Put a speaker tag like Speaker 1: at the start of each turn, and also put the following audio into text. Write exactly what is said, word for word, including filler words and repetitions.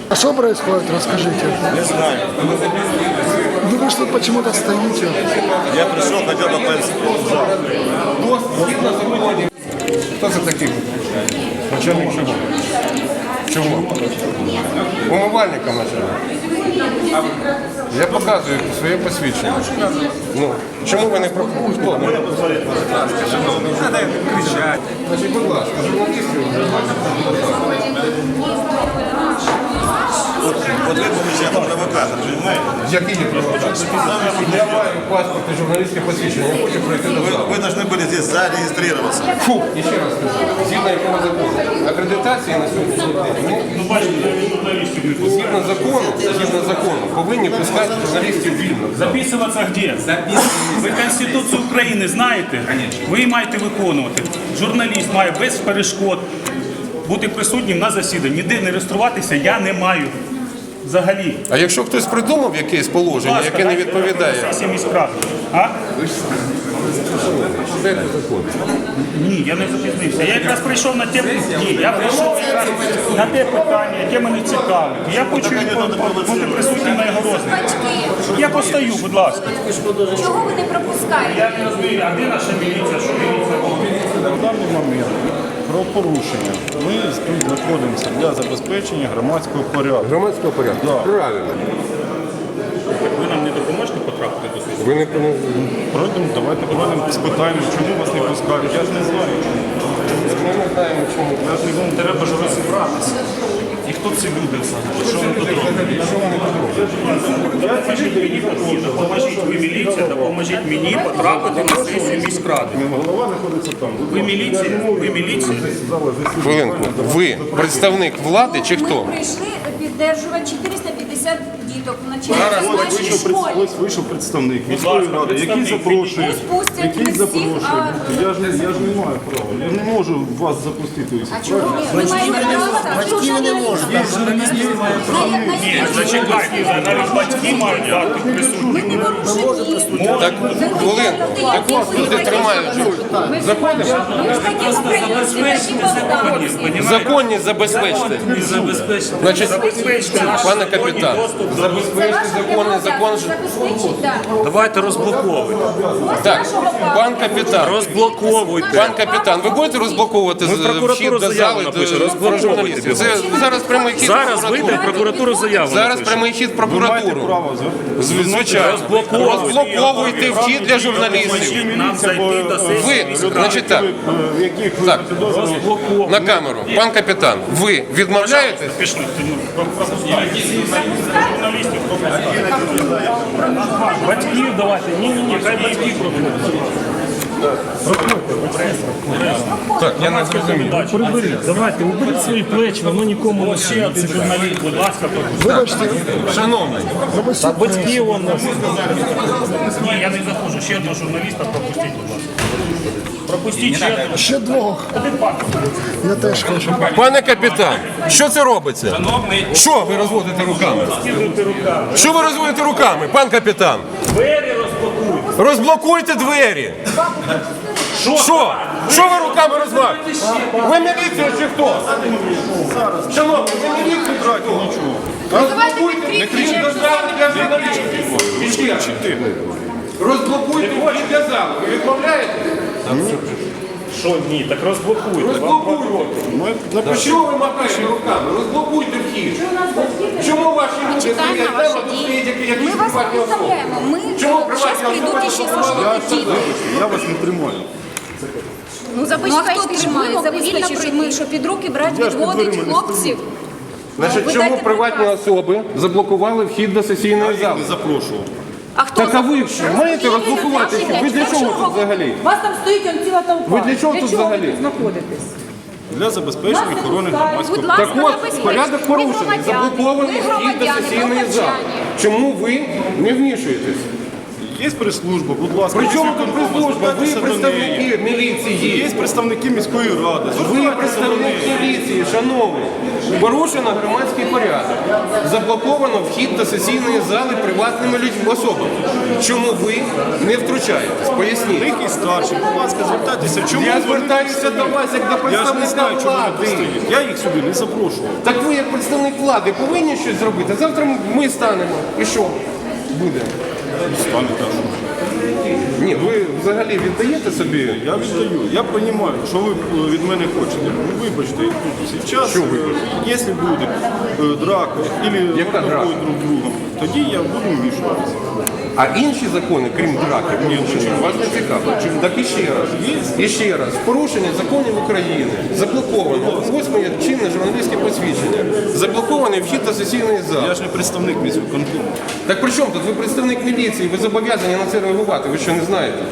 Speaker 1: А что происходит, расскажите.
Speaker 2: Не знаю.
Speaker 1: Вы вышли, почему-то стоите.
Speaker 2: Я пришел, хотел попасть в зал.
Speaker 3: Хто це такий? Начальник чого? Чого? Умивальника начальник. Я показую своє посвідчення. Ну, чому ви не проходите? Хто? Значить, будь ласка, журналістів.
Speaker 2: Вот вы получаете провокатор, понимаете?
Speaker 3: Який є провокатор? Я маю паспорт і журналістське посвідчення, я хочу пройти до
Speaker 2: Вы,
Speaker 3: залу.
Speaker 2: вы должны были здесь зарегистрироваться.
Speaker 3: Фу, і ще раз скажу, згідно якого закону. Акредитації на сьогоднішній день. Ну, згідно закону, згідно закону, повинні пускати журналістів вільно.
Speaker 4: Записуватися де? Ви Конституцію України знаєте? Ви її маєте виконувати. Журналіст має без перешкод бути присутнім на засіданні. Ніде не реєструватися я не маю. Взагалі.
Speaker 3: А якщо хтось придумав якесь положення, яке не відповідає?
Speaker 4: А?
Speaker 3: Дайте закон.
Speaker 4: Ні, я не запізнився. Я якраз прийшов на те, ні, я прийшов якраз на те питання, яке мене цікавить. Я хочу бути присутнім на його розгляді. Я постою, будь ласка.
Speaker 5: Чого ви не пропускаєте?
Speaker 4: Я не розумію, а де наша міліція, що міліція робить?
Speaker 6: На даний момент про порушення ми тут знаходимося для забезпечення громадського порядку.
Speaker 3: Громадського порядку?
Speaker 6: Да.
Speaker 3: Правильно.
Speaker 4: Ви нам не допоможете потрапити до суду?
Speaker 3: Ви не...
Speaker 6: Пройдемо, давайте пройдемо, спитаємо, чому вас не пускають. Я ж не знаю.
Speaker 3: Ми не знаємо, чому.
Speaker 4: Я ж не думаю, треба ж розібратися. І хто ці люди взагалі? Що вони тут роблять? Допоможіть мені, допоможіть ви міліція, допоможіть мені потрапити на сесію міськради.
Speaker 6: Голова знаходиться там.
Speaker 4: Ви міліція? Ви міліція?
Speaker 3: Хвилинку. Ви представник влади чи хто?
Speaker 5: Ми прийшли підтримувати чотириста п'ятдесят діток в
Speaker 4: Зараз
Speaker 5: начальній нашій
Speaker 6: Вийшов,
Speaker 5: школі.
Speaker 6: ось вийшов представник
Speaker 4: Будь
Speaker 6: міської
Speaker 4: ласка,
Speaker 6: ради, який
Speaker 4: представник.
Speaker 6: запрошує.
Speaker 5: Пусть пустять
Speaker 6: Який
Speaker 5: не всіх,
Speaker 6: запрошує.
Speaker 5: а-
Speaker 6: Я ж, не- я ж не маю права. Я ж не можу вас запустити. ось.
Speaker 5: А чого ви? Ми маємо право, батьки не можуть.
Speaker 4: Ні, зачекайте, навіть батьки мають дати присутність.
Speaker 5: Ми не порушуємо.
Speaker 3: Так, хвилинку. Так от люди тримають. Заходимо?
Speaker 5: Ми ж такі українці, такі полтавці.
Speaker 3: Законність забезпечте. Значить, пане капітан, забезпечте законний закон.
Speaker 7: Давайте розблоковуйте.
Speaker 3: Так, пан капітан.
Speaker 7: Розблоковуйте.
Speaker 3: Пан капітан, ви будете розблокувати
Speaker 7: Ми в
Speaker 3: з-
Speaker 7: прокуратуру
Speaker 3: вхід до
Speaker 7: заяву
Speaker 3: зали
Speaker 7: напишемо,
Speaker 3: до
Speaker 7: розблоковуйте
Speaker 3: журналістів? Це
Speaker 7: його.
Speaker 3: зараз прямий хід в
Speaker 7: Зараз
Speaker 3: прокуратуру.
Speaker 7: вийде в прокуратуру заяву.
Speaker 3: Зараз
Speaker 7: напишемо.
Speaker 3: прямий хід в
Speaker 6: Ви маєте
Speaker 3: прокуратуру.
Speaker 6: право.
Speaker 3: З- Звичайно. Розблоковуйте вхід для журналістів.
Speaker 4: Нам зайти до сесії
Speaker 3: Ви,
Speaker 4: міськради.
Speaker 3: значить так,
Speaker 6: В яких ви
Speaker 3: Так.
Speaker 6: підозрюєте?
Speaker 3: на камеру. Пан капітан, ви відмовляєтесь?
Speaker 4: Пішли, ну, пропустіть. Журналістів пропустіть. Батьків давайте. Ні, ні, ні, хай батьки пропустять.
Speaker 3: Так, я не зрозумів.
Speaker 7: Приберіть, давайте, уберіть свої плечі, воно нікому не
Speaker 4: Ще один журналіст, будь ласка, пропустіть.
Speaker 1: Вибачте,
Speaker 3: Шановний,
Speaker 7: Та батьки вон нас.
Speaker 4: Ні, я не заходжу. Ще одного журналіста пропустіть, будь ласка. Пропустіть ще одного.
Speaker 1: ще двох. Я теж хочу.
Speaker 3: пане капітан, що це робиться? Що ви розводите руками? Що ви розводите руками, пан капітан?
Speaker 4: Двері розблокуйте.
Speaker 3: Розблокуйте двері. Що? Що ви руками розводите? Ви міліція чи хто? Шановні, ви міліція чи хто? Розблокуйте, не кричіть до зали для журналістів. Розблокуйте вхід для залу. Ви відмовляєте?
Speaker 4: Що ні, так розблокуйте.
Speaker 3: Розблокуйте. Що ви махаєте руками? Розблокуйте вхід. Чому ваші люди
Speaker 5: Чекаємо
Speaker 3: стоять
Speaker 5: ваші
Speaker 3: там, а тут стоять
Speaker 5: дії.
Speaker 3: якісь
Speaker 5: Ми вас не
Speaker 3: приватні особи?
Speaker 5: представляємо. Ми
Speaker 3: Чому
Speaker 5: зараз
Speaker 3: приватні
Speaker 5: прийдуть і ще
Speaker 3: особи?
Speaker 5: служити діти.
Speaker 6: Я вас не тримаю.
Speaker 5: Ну, забезпечте, що ми забезпечте, що ми, що під руки брати
Speaker 6: Я ж під
Speaker 5: відводить
Speaker 6: дверима не
Speaker 5: хлопців.
Speaker 3: Значить,
Speaker 5: Ви
Speaker 3: чому
Speaker 5: дайте
Speaker 3: приватні
Speaker 5: приказ.
Speaker 3: особи заблокували вхід до сесійної
Speaker 6: Я
Speaker 3: зали?
Speaker 6: не запрошував.
Speaker 5: А хто
Speaker 3: Так а ви
Speaker 5: запрошує?
Speaker 3: що, маєте
Speaker 5: Розповідайте
Speaker 3: розблокувати
Speaker 5: наші
Speaker 3: вхід? Ви для
Speaker 5: речі.
Speaker 3: чого
Speaker 5: Якщо
Speaker 3: тут взагалі?
Speaker 8: У вас там стоїть он ціла толпа.
Speaker 3: Ви для чого тут
Speaker 8: чого ви
Speaker 3: взагалі?
Speaker 8: тут знаходитесь?
Speaker 6: Для забезпечення
Speaker 8: Нас
Speaker 6: охорони
Speaker 8: запускають.
Speaker 6: громадського
Speaker 5: Будь
Speaker 6: порядку.
Speaker 5: ласка,
Speaker 3: Так от,
Speaker 5: забезпечте.
Speaker 3: порядок
Speaker 5: Ми
Speaker 3: порушений,
Speaker 5: громадяни,
Speaker 3: заблокований
Speaker 5: ми
Speaker 3: вхід до
Speaker 5: громадяни,
Speaker 3: сесійної
Speaker 5: громадяни.
Speaker 3: зали. Чому ви не вмішуєтесь?
Speaker 6: Є прес-служба, будь ласка.
Speaker 3: При
Speaker 6: є
Speaker 3: чому тут
Speaker 6: виконком,
Speaker 3: прес-служба? Ви
Speaker 6: звертайтеся до неї.
Speaker 3: представники міліції.
Speaker 6: Є представники міської ради.
Speaker 3: Ви
Speaker 6: Звертайтеся до
Speaker 3: представник
Speaker 6: неї.
Speaker 3: міліції, шановний. Порушено громадський порядок. Заблоковано вхід до сесійної зали приватними людьми особами. Чому ви не втручаєтесь? Поясніть.
Speaker 6: Який старший, будь ласка, звертайтеся. Чому
Speaker 3: Я
Speaker 6: вони
Speaker 3: звертаюся
Speaker 6: тут
Speaker 3: до
Speaker 6: стоять?
Speaker 3: вас як до
Speaker 6: Я ж не
Speaker 3: представника
Speaker 6: знаю, чому вони тут
Speaker 3: влади.
Speaker 6: стоять. Я їх сюди не запрошував.
Speaker 3: Так ви як представник влади повинні щось зробити. Завтра ми станемо. І що буде?
Speaker 6: Стане так.
Speaker 3: Ні, ви взагалі віддаєте собі?
Speaker 6: Я віддаю. Я розумію, що ви е, від мене хочете. Ну, вибачте, тут зараз,
Speaker 3: Що вибачте?
Speaker 6: е, якщо буде е, драка, або
Speaker 3: Яка драка?
Speaker 6: друг другом, тоді я буду вмішуватися.
Speaker 3: А інші закони, крім драки, вас не цікавить. Так і ще раз. І ще раз. Порушення законів України. Заблоковано. Восьме чинне журналістське посвідчення. Заблокований вхід до сесійної зали.
Speaker 6: Я ж не представник міського конкурсу.
Speaker 3: Так при чому тут? Ви представник міліції, ви зобов'язані на це реагувати. Ви що, не знаєте?